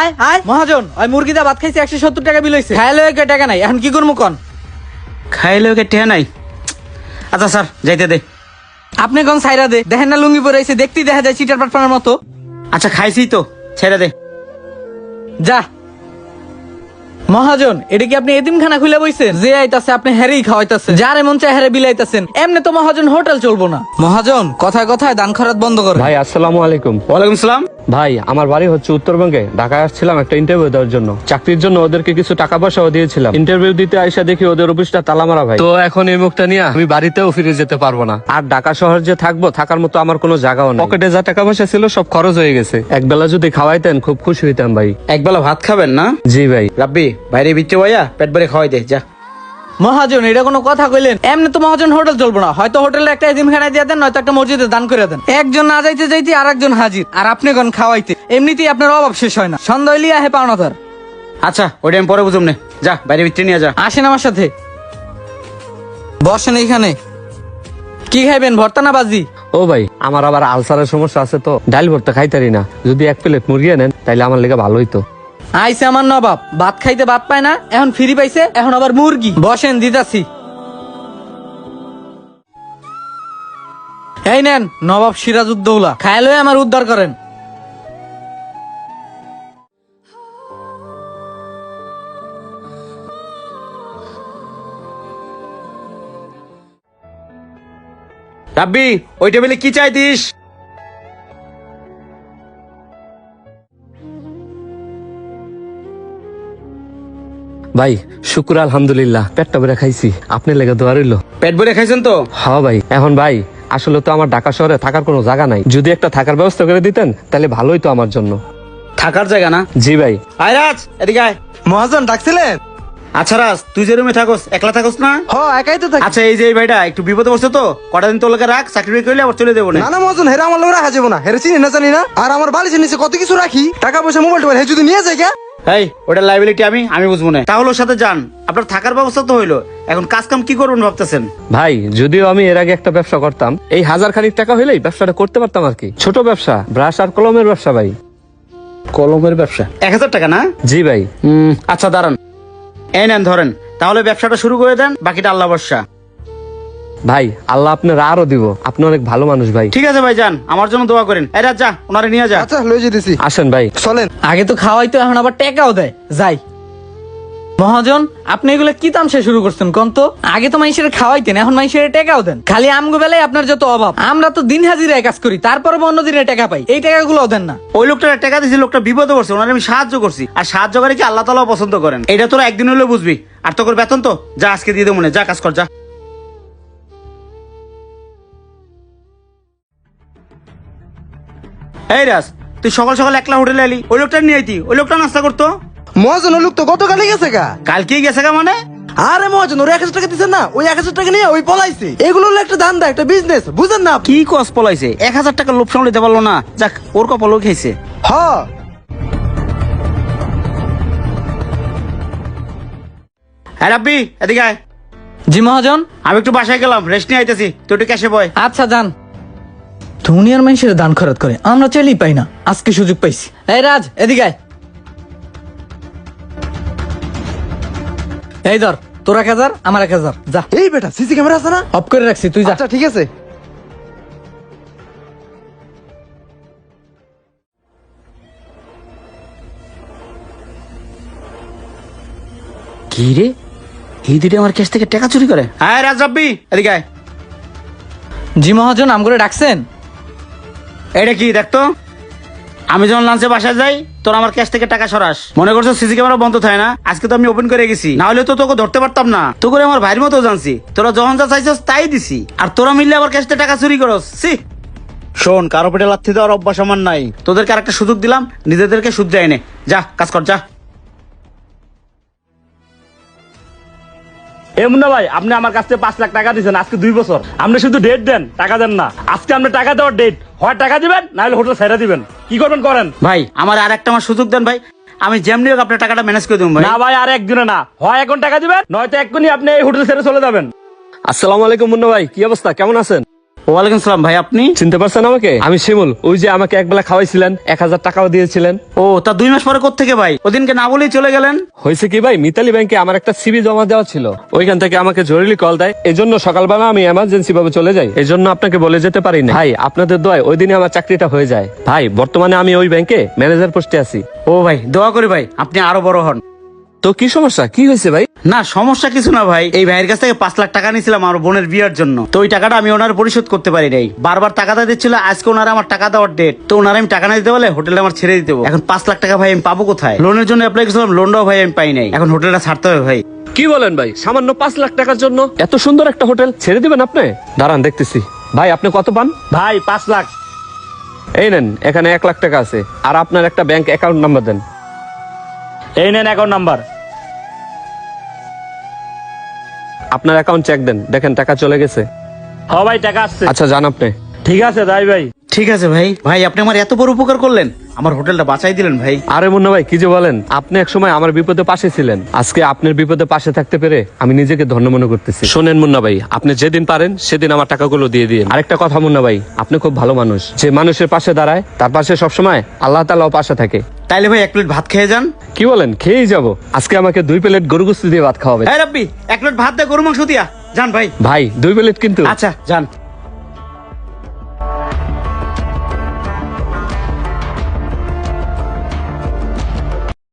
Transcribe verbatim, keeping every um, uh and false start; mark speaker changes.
Speaker 1: আয় আয় মহাজন, ওই মুরগিটা ভাত খাইছে একশো সত্তর টাকা বিল হইছে। খাইলে টাকা নাই, এখন কি করবো কন?
Speaker 2: খাইলে ওকে টেহা নাই। আচ্ছা স্যার যাইতে দে।
Speaker 1: আপনি কোন সাইরা দে, দেখেন না লুঙ্গি পরে আইছে, দেখতেই দেখা যায় চিটার পাটপানের মতো।
Speaker 2: আচ্ছা খাইছি তো, ছেড়ে দে।
Speaker 1: যা মহাজন, এটা কি আপনি এতিমখানা খুলে বইছেন? যে আইতাছে আপনি হেরেই খাওয়াইতাছেন, যার এমন চাই হেরে বিলাইতাছেন। এমনি তো মহাজন হোটেল চলবো না। মহাজন কথায় কথায় দান খরাত বন্ধ করে।
Speaker 3: ভাই আসসালামু আলাইকুম।
Speaker 2: ওয়ালাইকুম সালাম।
Speaker 3: ভাই আমার বাড়ি হচ্ছে উত্তরবঙ্গে, ঢাকায় আসছিলাম একটা ইন্টারভিউ দেওয়ার জন্য। চাকরির জন্য ওদেরকে কিছু টাকা পয়সাও দিয়েছিলাম। ইন্টারভিউ দিতে আইসা দেখি ওদের অফিসটা তালা মারা ভাই। তো এখন এই মুখটা নিয়ে আমি বাড়িতেও ফিরে যেতে পারবো না। আর ঢাকা শহর যে থাকবো, থাকার মতো আমার কোনো জায়গাও নেই। পকেটে যা টাকা পয়সা ছিল সব খরচ হয়ে গেছে। একবেলা যদি খাওয়াইতেন খুব খুশি হইতাম ভাই।
Speaker 2: একবেলা ভাত খাবেন না?
Speaker 3: জি ভাই।
Speaker 2: রাব্বি বাইরে বিচ্ছে ভাইয়া পেট ভরে খাওয়াই দে যা।
Speaker 1: মহাজন এটা কোনো কথা কইলেন? এমনি তো মহাজন হোটেল চলবো না। হয়তো হোটেলে একটা এতিমখানা দিয়ে দেন, নয়তো একটা মসজিদে দান করে দেন। একজন না যাইতে যাইতে আর একজন হাজির, আর আপনি কোন খাওয়াইতে। এমনিতেই আপনার অভাব শেষ হয় না, সন্ধ্যা হইলে আহে পাওনাদার।
Speaker 2: আচ্ছা ওইটা আমি পরে বুঝুম নে, যা বাইরে বিচ্ছে নিয়ে যা।
Speaker 1: আসেন আমার সাথে, বসেন এইখানে। কি খাইবেন, ভর্তা না বাজি?
Speaker 3: ও ভাই আমার আবার আলসারের সমস্যা আছে, তো ডাল ভর্তা খাইতারি না। যদি এক প্লেট মুরগি আনেন তাইলে আমার লেগে ভালো হইতো।
Speaker 1: আইসে আমার নবাব, ভাত খাইতে ভাত পায় না, এখন ফ্রি পাইছে, এখন আবার মুরগি। বসেন দিতাছি। এই নেন নবাব সিরাজউদ্দৌলা, খায়ালে আমার উদ্ধার করেন।
Speaker 2: রাব্বি ওই টেবিলে কি চাইতিস?
Speaker 3: ভাই শুক্র আলহামদুলিল্লাহ, পেটটা ভরে খাইছি। আপনার লেগে দোয়া রইলো।
Speaker 2: পেট ভরে খাইছেন তো?
Speaker 3: হ্যাঁ ভাই। এখন ভাই আসলে তো আমার ঢাকা শহরে থাকার কোনো জায়গা নাই, যদি একটা থাকার ব্যবস্থা করে দিতেন তাহলে ভালোই তো আমার জন্য।
Speaker 2: থাকার জায়গা না?
Speaker 3: জি ভাই।
Speaker 2: আয় রাজ এদিকে আয়।
Speaker 4: মহাজন ডাকছিলেন?
Speaker 2: আচ্ছা রাজ তুই যে রুমে থাকস, একলা থাকস না?
Speaker 4: হ একাই তো থাকি।
Speaker 2: আচ্ছা এই যে এই ভাইটা একটু বিপদে বসছে তো, কটা দিন তোর লোকে রাখ, চাকরি করলে আবার চলে দেবো না।
Speaker 4: না না মহাজন, হেরা আমার লোক রাখা যাবো না। হেরে চিনি না জানি না। আর আমার বালিশের নিচে কত কিছু রাখি, টাকা পয়সা মোবাইল টোবাইল, হে যদি নিয়ে যায় কে?
Speaker 2: এই ওটা লাইবিলিটি আমি আমি বুঝবো না। তাহলে ওর সাথে যান, আপনার থাকার ব্যবস্থা তো হইলো, এখন কাজ কাম কি করবেন ভাবতেছেন?
Speaker 3: ভাই যদিও আমি এর আগে একটা ব্যবসা করতাম, এই হাজার খানিক টাকা হইলেই ব্যবসাটা করতে পারতাম আর কি। ছোট ব্যবসা, ব্রাশ আর কলমের ব্যবসা ভাই।
Speaker 2: কলমের ব্যবসা? এক হাজার টাকা না?
Speaker 3: জি ভাই।
Speaker 2: হুম আচ্ছা দাঁড়ান, এই নেন ধরেন, তাহলে ব্যবসাটা শুরু করে দেন, বাকিটা আল্লাহ ভরসা।
Speaker 3: ভাই আল্লাহ আপনার আরো দিব, আপনি অনেক ভালো মানুষ ভাই।
Speaker 2: ঠিক আছে ভাই যান, আমার জন্য দোয়া করেন। এই রাজ যা, ওনারে নিয়ে যা।
Speaker 4: আচ্ছা লয়ে যেতেছি।
Speaker 3: আসেন ভাই।
Speaker 4: চলেন।
Speaker 1: আগে তো খাওয়াইতো, এখন আবার টাকাও দেয়। যাই মহাজন, আপনি এগুলো কি তামসা শুরু করছেন কোন তো? আগে তো মানুষের খাওয়াইতেন, এখন মানুষের টাকাও দেন। খালি আমগো বেলায় আপনার যত অভাব। আমরা তো দিন হাজিরায় কাজ করি, তারপরে অন্য দিনে টাকা পাই, এই টাকাগুলোও দেন না।
Speaker 2: ওই লোকটা টাকা দিয়েছে, লোকটা বিপদে পড়ছে, ওনারে আমি সাহায্য করছি। আর সাহায্য করে কি আল্লাহ তাআলাও পছন্দ করেন। এটা তোরা একদিন হলেও বুঝবি। আর তোর বেতন তো যা আজকে দিয়ে দেবো মনে, যা কাজ কর যা। এই রাজ তুই সকাল সকাল একলা হোটেলে এলি, ওই লোকটা নিয়ে আইতি, ওই লোকটা নাস্তা করতো।
Speaker 4: মহাজন ওই লোক তো গতকালই গেছে গা।
Speaker 2: কালকেই গেছে গা মানে?
Speaker 4: আরে মহাজন ওর এক হাজার টাকা দিচ্ছেন না, ওই এক হাজার টাকা নিয়ে ওই পলাইছে। এগুলো হলো একটা ধান্দা, একটা বিজনেস, বুঝেন না আপনি?
Speaker 2: কি কস পলাইছে? এক হাজার টাকা লোভ সামলাইতে পারলো না, যাক ওর কপালও খেয়েছে।
Speaker 4: হ
Speaker 2: হ্যাঁ রাব্বি এদিকে আয়।
Speaker 1: জি মহাজন।
Speaker 2: আমি একটু বাসায় গেলাম, রেস্ট নিয়ে আইতেছি, তুই একটু ক্যাশে বয়।
Speaker 1: আচ্ছা যান। দুনিয়ার মানুষের দান খরচ করে, আমরা চাইলেই পাই না, আজকে সুযোগ পাইছি। এই রাজ এদিকে আয়। এই ধর তোর এক হাজার, আমার এক হাজার, যা।
Speaker 4: এই বেটা সিসি ক্যামেরা আছে না?
Speaker 1: অফ করে রাখছি, তুই যা।
Speaker 4: আচ্ছা ঠিক আছে।
Speaker 2: কি রে, এই দিদি আমার ক্যাশ থেকে টাকা চুরি করে? হ্যাঁ রাজ রাব্বি এদিকে আয়।
Speaker 1: জি মহাজন, আম করে ডাকছেন?
Speaker 2: এটা কি দেখতো, আমি যখন লাঞ্চে বাসায় যাই তোর আমার ক্যাশ থেকে টাকা সরাস, মনে করছো সিসি ক্যামেরা বন্ধ থাকে না? আজকে তো আমি ওপেন করে গেছি, না হলে তো তোকে ধরতে পারতাম না। তো করে আমার ভাইয়ের মতো জানছি, তোরা যখন যা চাইছিস তাই দিছি, আর তোরা মিললে আবার ক্যাশ থেকে টাকা চুরি করস। সি শোন, কারো পেটে লাথি দেওয়ার অভ্যাস আমার নাই। তোদেরকে আরেকটা সুযোগ দিলাম, নিজেদেরকে শুধরে এনে যা কাজ কর যা।
Speaker 5: এ মুন্না ভাই, আপনি আমার কাছ থেকে পাঁচ লাখ টাকা দিচ্ছেন আজকে দুই বছর। আপনি শুধু ডেট দেন, টাকা দেন না। আজকে আপনি টাকা দেওয়ার ডেট, হয় টাকা দিবেন না হলে হোটেল ছেড়ে দিবেন। কি করবেন করেন
Speaker 2: ভাই, আমার আর একটা আমার সুযোগ দেন ভাই, আমি যেমনি হোক আপনার টাকাটা ম্যানেজ করে দেবো ভাই।
Speaker 5: না ভাই, আর একদিনে না, হয় এখন টাকা দিবেন নয়তো এক্ষুনি আপনি এই হোটেল ছেড়ে চলে যাবেন।
Speaker 3: আসসালামু আলাইকুম মুন্না ভাই, কি অবস্থা, কেমন আছেন?
Speaker 2: ওয়ালাইকুম সালাম ভাই, আপনি?
Speaker 3: চিনতে পারছেন আমাকে? আমি শিমুল, ওই যে আমাকে একবেলা খাওয়াইছিলেন, এক হাজার টাকাও দিয়েছিলেন।
Speaker 2: ও, তা দুই মাস পরে কোত্থেকে ভাই? ওদিনকে না বলেই চলে গেলেন।
Speaker 3: হয়েছে কি ভাই, মিতালি ব্যাংকে আমার একটা সিবি জমা দেওয়া ছিল, ওইখান থেকে আমাকে জরুরি কল দেয়, এজন্য সকালবেলা আমি এমার্জেন্সি ভাবে চলে যাই, এজন্য আপনাকে বলে যেতে পারি না ভাই। আপনাদের দোয়ায় ওই দিনে আমার চাকরিটা হয়ে যায় ভাই। বর্তমানে আমি ওই ব্যাংকে ম্যানেজার পোস্টে আছি।
Speaker 2: ও ভাই, দোয়া করি ভাই আপনি আরো বড় হন।
Speaker 3: তো কি সমস্যা, কি হয়েছে ভাই?
Speaker 2: না, সমস্যা কিছু না ভাই। এই ভাইয়ের কাছ থেকে পাঁচ লাখ টাকা নিয়েছিলাম আমার বোনের বিয়ের জন্য। তো ওই টাকাটা আমি ওনার পরিশোধ করতে পারি নাই। বারবার টাকাটা দিচ্ছিল, আজকে ওনারা আমার টাকা দেওয়ার ডেট। তো ওনারা আমি টাকা না দিতে বলে হোটেলটা আমার ছেড়ে দিতে হবে। এখন পাঁচ লাখ টাকা ভাই আমি পাবো কোথায়? লোনের জন্য অ্যাপ্লাই করেছিলাম, লোনটাও ভাই আমি পাই নাই। এখন হোটেলটা ছাড়তে হবে ভাই।
Speaker 3: কি বলেন ভাই, সামান্য পাঁচ লাখ টাকার জন্য এত সুন্দর একটা হোটেল ছেড়ে দিবেন আপনি? দাঁড়ান দেখতেছি। ভাই আপনি কত পান?
Speaker 5: ভাই পাঁচ লাখ।
Speaker 3: এই নেন, এখানে এক লাখ টাকা আছে, আর আপনার একটা ব্যাংক অ্যাকাউন্ট নাম্বার দেন।
Speaker 5: এই নেন অ্যাকাউন্ট নাম্বার।
Speaker 3: আপনার অ্যাকাউন্ট চেক দেন, দেখেন টাকা চলে গেছে।
Speaker 5: হ ভাই, টাকা আসছে।
Speaker 3: আচ্ছা যান আপনি।
Speaker 5: ঠিক আছে তাই ভাই।
Speaker 2: ঠিক আছে ভাই। ভাই আপনি আমার এত বড় উপকার করলেন, আমার হোটেলটা বাঁচাই দিলেন ভাই।
Speaker 3: আরে মুন্না ভাই, কি যে বলেন, আপনি এক সময় আমার বিপদে পাশে ছিলেন, আজকে আপনার বিপদে পাশে থাকতে পেরে আমি নিজেকে ধন্য মনে করতেছি। শোনেন মুন্না ভাই, আপনি যেদিন পারেন সেদিন আমার টাকাগুলো দিয়ে দিন। আরেকটা কথা মুন্না ভাই, আপনি খুব ভালো মানুষ, যে মানুষের পাশে দাঁড়ায় তার পাশে সবসময় আল্লাহ তাআলাও পাশে থাকে।
Speaker 2: তাইলে ভাই এক প্লেট ভাত খেয়ে যান।
Speaker 3: কি বলেন, খেয়েই যাব। আজকে আমাকে দুই প্লেট গরু গোশত দিয়ে ভাত খাওয়াবে।
Speaker 2: হ্যাঁ রাব্বি, এক প্লেট ভাত দিয়ে গরু মাংস দিয়া যান ভাই।
Speaker 3: ভাই দুই প্লেট কিন্তু।
Speaker 2: আচ্ছা যান।